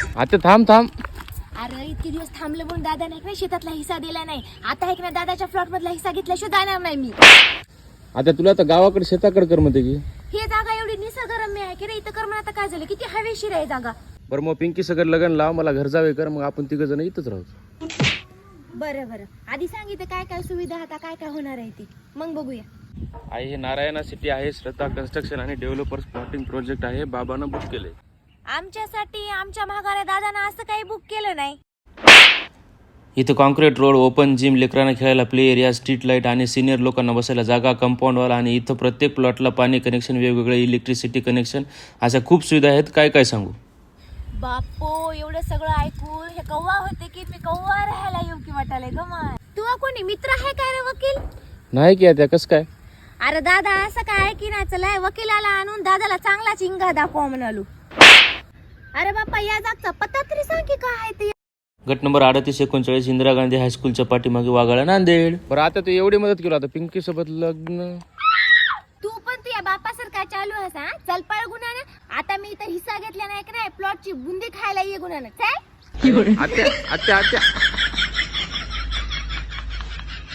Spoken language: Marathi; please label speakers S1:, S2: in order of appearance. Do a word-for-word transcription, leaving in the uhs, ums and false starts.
S1: आता थांब थांब.
S2: अरे इतके दिवस थांबले म्हणून दादा नाही का शेतातला हिस्सा दिला नाही. आता आहे ना दादाच्या प्लॉट मधला हिस्सा घेतल्याशिवाय जाणार नाही मी.
S1: आता तुला तर गावाकडे शेताकडे कर म्हणते की.
S2: ही जागा एवढी निसर्गरम्य आहे की रे, इथं कर म्हणून आता काय झालं, किती हवेशीर आहे जागा.
S1: बरं मग पिंकी सगळं लग्न लाव, मला घर जावे कर, मग आपण तिघ जण इथंच राहू.
S2: बरं बरं आधी सांगितलं काय काय सुविधा आता काय काय होणार आहे ती, मग बघूया.
S1: आहे हे नारायणा सिटी आहे, श्रद्धा कन्स्ट्रक्शन आणि डेव्हलपर्स प्लॉटिंग प्रोजेक्ट आहे, बाबानं बुक केले.
S2: आमच्यासाठी आमच्या महागाऱ्या दादानं असं काही बुक केलं नाही.
S1: इथं कॉन्क्रीट रोड, ओपन जिम, लेकरांना खेळायला प्ले एरिया, स्ट्रीट लाईट आणि सिनियर लोकांना बसायला जागा, कंपाऊंड वॉल आणि इथं प्रत्येक प्लॉटला पाणी कनेक्शन, वेगवेगळे इलेक्ट्रिसिटी कनेक्शन, अशा खूप सुविधा आहेत. काय काय सांगू.
S2: बापो एवढं सगळं ऐकून हे कव्वा होते की मी कव्वा राहायला येऊ की वाटायला ग. माय तू कोणी मित्र आहे काय रे वकील?
S1: नाही की आता कसं काय.
S2: अरे दादा असं काय की ना, चला वकिलाला आणून दादाला चांगला चिंगा दाखवा म्हणालो. अरे बाप्पा या जागचा पत्ता तरी सांग की काय आहे ते.
S1: गट नंबर अडतीस एकोणचाळीस इंदिरा गांधी हायस्कूलच्या पाठीमागे वागाळा, नांदेड. बरं आता तू एवढी मदत केली, आता पिंकी सोबत लग्न.
S2: तू पण तू या बापा सर काय चालू आहेस हा? चल पळ गुन्हानं. आता मी इथं हिस्सा घेतला नाही की नाही, प्लॉटची बुंदी खायला ये गुन्हानं. चल.
S1: आत्या आत्या आत्या